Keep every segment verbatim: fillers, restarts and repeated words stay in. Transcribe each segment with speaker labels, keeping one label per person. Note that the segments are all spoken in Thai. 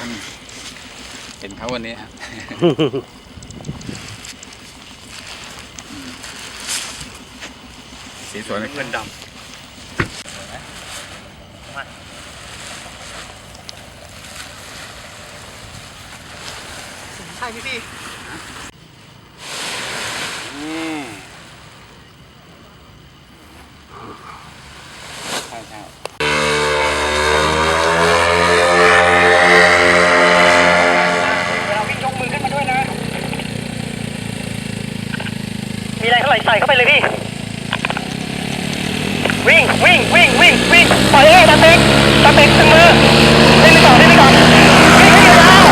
Speaker 1: เห็นเขาวันนี้ครับสีสวยเลยเงินดำ
Speaker 2: ใช่พี่พี่
Speaker 1: ใช่ใช่
Speaker 2: เราวิ่งยกมือขึ้นมาด้วยนะมีอะไรเท่าไหร่ใส่เข้าไปเลยพี่วิ่งวิ่งวิ่งวิ่งวิ่งปล่อยเอ้ตาเต็กตาเต็กถึงมือเล่นไปก่อนเล่นไปก่อนวิ่งให้ยาว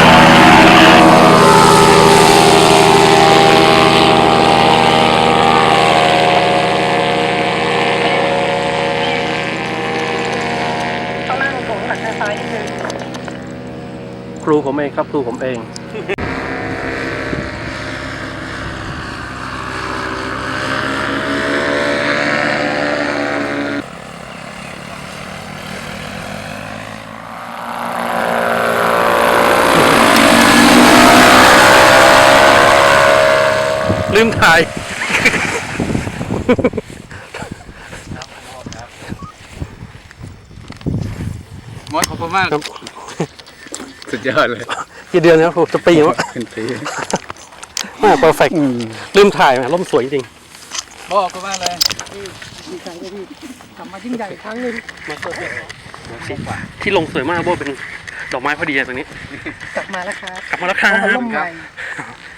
Speaker 2: ต้องนั่งผมหันทางซ้ายนิดนึงครูผมเองครับครูผมเองลืมถ่าย
Speaker 1: มดขอบคุณมากสุดยอดเลย
Speaker 2: กี่เดือนครับผมจะปีวะ
Speaker 1: เป็นปี
Speaker 2: มากเพอร์เฟกต์ลืมถ่ายร่มสวยจริง
Speaker 1: บอกขอบคุณมากเลย
Speaker 2: ดีใจเลยพี่กลับมายิ่งใหญ่ครั้งนึงมาเปิดที่ลงสวยมากโบเป็นดอกไม้พอดีตรงนี้กลับมาแล้วครับกลับมาแล้วครับ